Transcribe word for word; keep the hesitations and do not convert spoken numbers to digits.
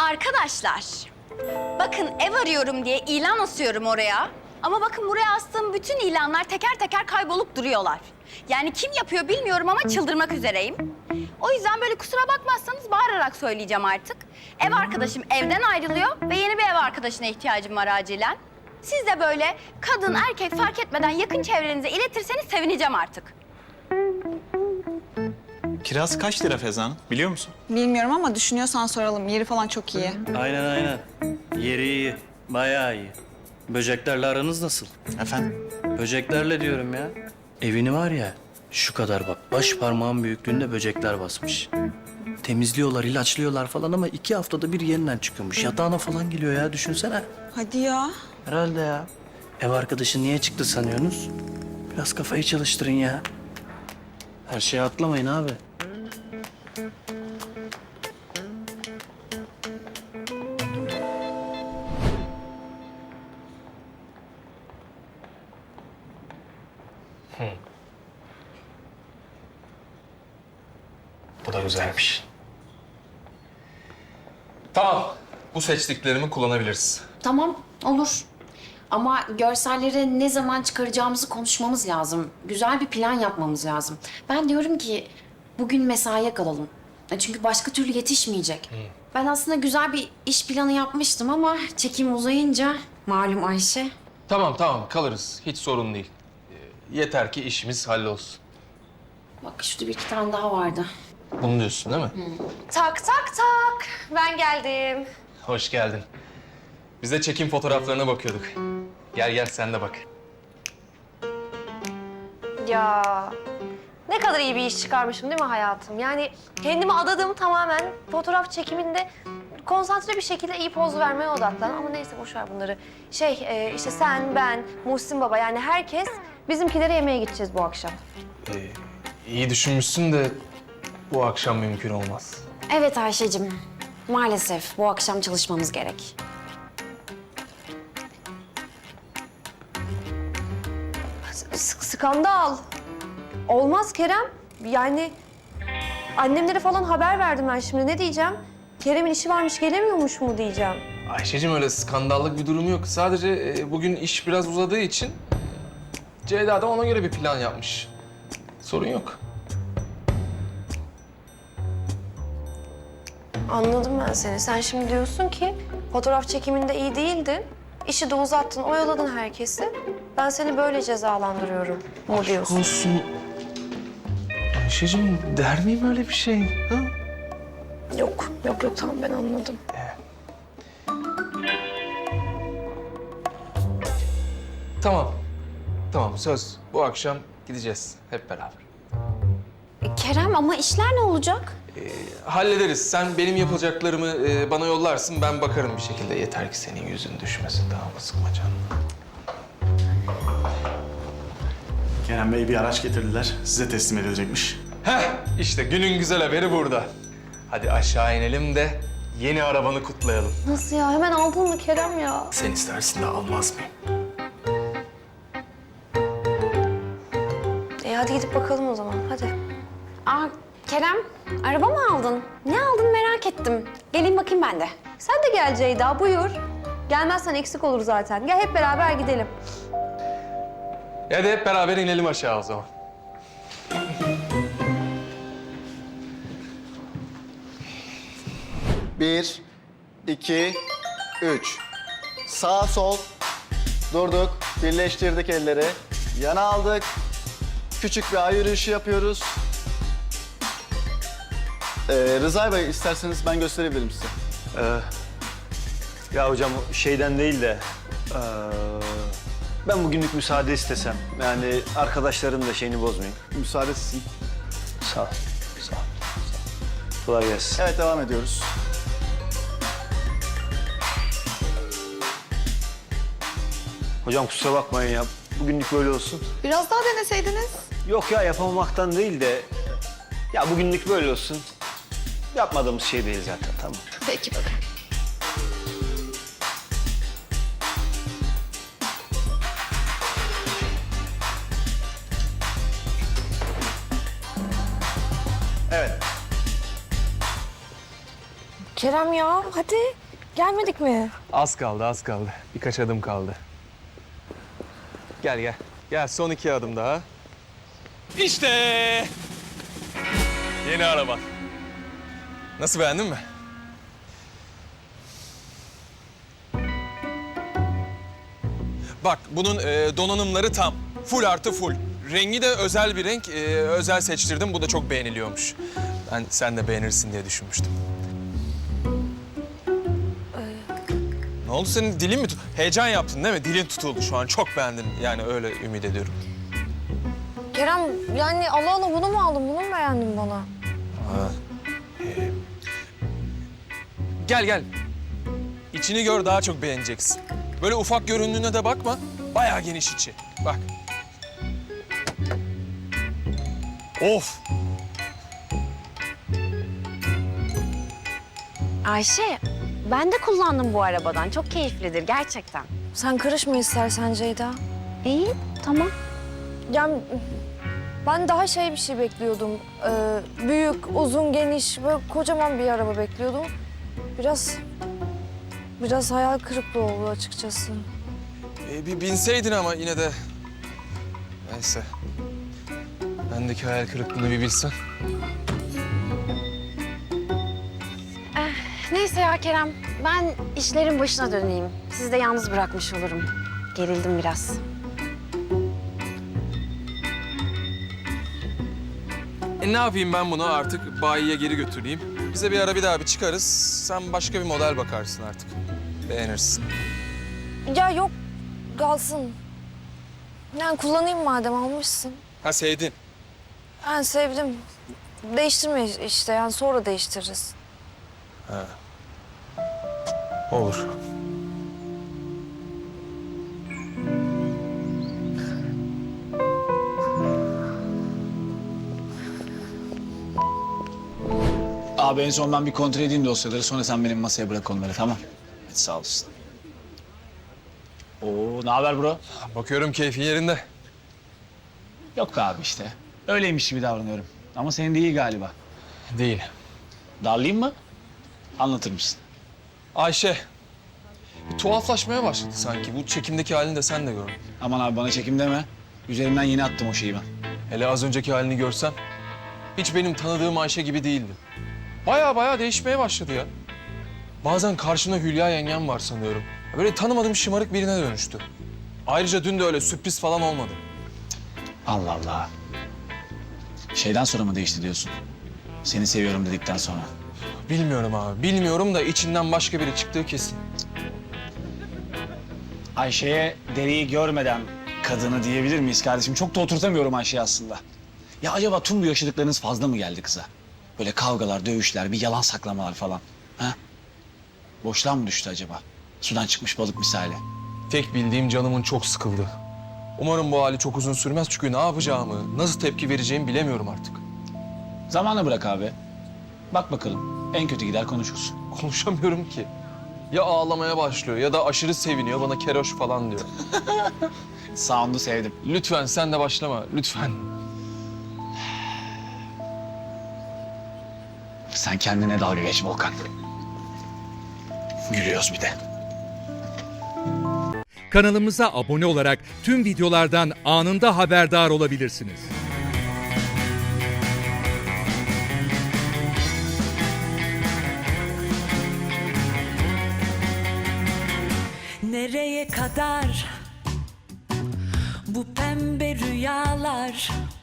Arkadaşlar, bakın ev arıyorum diye ilan asıyorum oraya. Ama bakın buraya astığım bütün ilanlar teker teker kaybolup duruyorlar. Yani kim yapıyor bilmiyorum ama çıldırmak üzereyim. O yüzden böyle kusura bakmazsanız bağırarak söyleyeceğim artık. Ev arkadaşım evden ayrılıyor ve yeni bir ev arkadaşına ihtiyacım var acilen. Siz de böyle kadın erkek fark etmeden yakın çevrenize iletirseniz sevineceğim artık. Kiraz kaç lira Feza Hanım biliyor musun? Bilmiyorum ama düşünüyorsan soralım. Yeri falan çok iyi. Aynen aynen. Yeri iyi. Bayağı iyi. Böceklerle aranız nasıl? Efendim? Böceklerle diyorum ya. Evini var ya şu kadar bak baş parmağın büyüklüğünde böcekler basmış. Temizliyorlar, ilaçlıyorlar falan ama iki haftada bir yeniden çıkıyormuş. Yatağına falan geliyor ya düşünsene. Hadi ya. Herhalde ya. Ev arkadaşı niye çıktı sanıyorsunuz? Biraz kafayı çalıştırın ya. Her şeye atlamayın abi. Bu da güzelmiş. Tamam. Bu seçtiklerimi kullanabiliriz. Tamam, olur. Ama görselleri ne zaman çıkaracağımızı konuşmamız lazım. Güzel bir plan yapmamız lazım. Ben diyorum ki bugün mesaiye kalalım. E Çünkü başka türlü yetişmeyecek. Ben aslında güzel bir iş planı yapmıştım ama çekim uzayınca malum Ayşe. Tamam tamam kalırız. Hiç sorun değil. Ee, Yeter ki işimiz hallolsun. Bak şurada bir iki tane daha vardı. Bunu diyorsun değil mi? Tak tak tak. Ben geldim. Hoş geldin. Biz de çekim fotoğraflarına bakıyorduk. Gel gel sen de bak. Ya ne kadar iyi bir iş çıkarmışım değil mi hayatım? Yani kendimi adadım tamamen fotoğraf çekiminde konsantre bir şekilde iyi poz vermeye odaklan. Ama neyse boş ver bunları. Şey e, işte sen, ben, Muhsin Baba yani herkes bizimkilere yemeğe gideceğiz bu akşam. Ee, iyi düşünmüşsün de bu akşam mümkün olmaz. Evet Ayşe'cim. Maalesef bu akşam çalışmamız gerek. S- skandal. Olmaz Kerem. Yani annemlere falan haber verdim ben şimdi. Ne diyeceğim? Kerem'in işi varmış gelemiyormuş mu diyeceğim. Ayşe'cim öyle skandallık bir durum yok. Sadece e, bugün iş biraz uzadığı için Ceyda da ona göre bir plan yapmış. Sorun yok. Anladım ben seni. Sen şimdi diyorsun ki fotoğraf çekiminde iyi değildin. İşi de uzattın, oyaladın herkesi. Ben seni böyle cezalandırıyorum mu diyorsun? Olsun. Ayşe'cim der miyim öyle bir şey? Ha? Yok, yok yok tamam ben anladım. Tamam. Tamam söz. Bu akşam gideceğiz hep beraber. E, Kerem ama işler ne olacak? Hallederiz. Sen benim yapacaklarımı e, bana yollarsın. Ben bakarım bir şekilde. Yeter ki senin yüzün düşmesin. Tamam mı? Sıkma canını. Kerem Bey bir araç getirdiler. Size teslim edilecekmiş. Heh, işte günün güzel haberi burada. Hadi aşağı inelim de yeni arabanı kutlayalım. Nasıl ya? Hemen aldın mı Kerem ya? Sen istersin de almaz mıyım? E hadi gidip bakalım o zaman. Hadi. Aa Kerem, araba mı aldın? Ne aldın merak ettim. Geleyim bakayım ben de. Sen de gel Ceyda, buyur. Gelmezsen eksik olur zaten. Gel hep beraber gidelim. Hadi hep beraber inelim aşağı o zaman. Bir, iki, üç. Sağ, sol. Durduk. Birleştirdik elleri. Yana aldık. Küçük bir ay yürüyüşü yapıyoruz. Ee, Rıza Bey isterseniz ben gösterebilirim size. Ee, ya hocam şeyden değil de ee, ben bugünlük müsaade istesem. Yani arkadaşların da şeyini bozmayayım. Müsaade sizin. Sağ ol. Sağ ol. Sağ ol. Kolay gelsin. Evet devam ediyoruz. Hocam kusura bakmayın ya. Bugünlük böyle olsun. Biraz daha deneseydiniz. Yok ya yapamamaktan değil de ya bugünlük böyle olsun. Yapmadığımız şey değil zaten tamam. Peki bakın. Evet. Kerem ya hadi gelmedik mi? Az kaldı, az kaldı. Birkaç adım kaldı. Gel gel. Gel son iki adım daha. İşte! Yeni araba. Nasıl, beğendin mi? Bak bunun e, donanımları tam. Full artı full. Rengi de özel bir renk. E, özel seçtirdim. Bu da çok beğeniliyormuş. Ben sen de beğenirsin diye düşünmüştüm. Ne oldu, senin dilin mi tut... Heyecan yaptın değil mi? Dilin tutuldu şu an. Çok beğendin. Yani öyle ümit ediyorum. Kerem yani Allah Allah bunu mu aldın, bunu mu beğendin bana? Gel gel. İçini gör, daha çok beğeneceksin. Böyle ufak göründüğüne de bakma. Bayağı geniş içi. Bak. Of. Ayşe, ben de kullandım bu arabadan. Çok keyiflidir gerçekten. Sen karışma istersen Ceyda. İyi, tamam. Yani ben daha şey bir şey bekliyordum. Ee, büyük, uzun, geniş, böyle kocaman bir araba bekliyordum. Biraz, biraz hayal kırıklığı oldu açıkçası. Ee, bir binseydin ama yine de... Neyse. Bendeki hayal kırıklığını bir bilsen. Neyse ya Kerem, ben işlerin başına döneyim. Sizi de yalnız bırakmış olurum. Gerildim biraz. E ne yapayım ben bunu artık bayiye geri götüreyim. Bize bir ara bir daha bir çıkarız. Sen başka bir model bakarsın artık. Beğenirsin. Ya yok, kalsın. Yani kullanayım madem almışsın. Ha, sevdin. Ben sevdim. Değiştirme işte yani sonra değiştiririz. Olur. Abi en son ben bir kontrol edeyim dosyaları, sonra sen benim masaya bırak onları, tamam? Hadi sağ olasın. Oo, ne haber bro? Bakıyorum keyfin yerinde. Yok be abi işte. Öyleymiş gibi davranıyorum. Ama senin değil galiba. Değil. Darlayayım mı? Anlatır mısın? Ayşe. Bir tuhaflaşmaya başladı sanki. Bu çekimdeki halini de sen de gördün. Aman abi bana çekim deme. Üzerimden yeni attım o şeyi ben. Hele az önceki halini görsen. Hiç benim tanıdığım Ayşe gibi değildi. Baya baya değişmeye başladı ya. Bazen karşımda Hülya yengem var sanıyorum. Böyle tanımadığım şımarık birine dönüştü. Ayrıca dün de öyle sürpriz falan olmadı. Allah Allah. Şeyden sonra mı değişti diyorsun? Seni seviyorum dedikten sonra. Bilmiyorum abi, bilmiyorum da içinden başka biri çıktığı kesin. Ayşe'ye deriyi görmeden kadını diyebilir miyiz kardeşim? Çok da oturtamıyorum Ayşe'yi aslında. Ya acaba tüm bu yaşadıklarınız fazla mı geldi kıza? Böyle kavgalar, dövüşler, bir yalan saklamalar falan. Ha? Boşluğa mı düştü acaba? Sudan çıkmış balık misali. Tek bildiğim canımın çok sıkıldı. Umarım bu hali çok uzun sürmez çünkü ne yapacağımı, nasıl tepki vereceğimi bilemiyorum artık. Zamanla bırak abi. Bak bakalım. En kötü gider konuşursun. Konuşamıyorum ki. Ya ağlamaya başlıyor ya da aşırı seviniyor, bana keroş falan diyor. Sound'u sevdim. Lütfen sen de başlama, lütfen. Sen kendine dalga geç Volkan. Gülüyoruz bir de. Kanalımıza abone olarak tüm videolardan anında haberdar olabilirsiniz. Nereye kadar bu pembe rüyalar?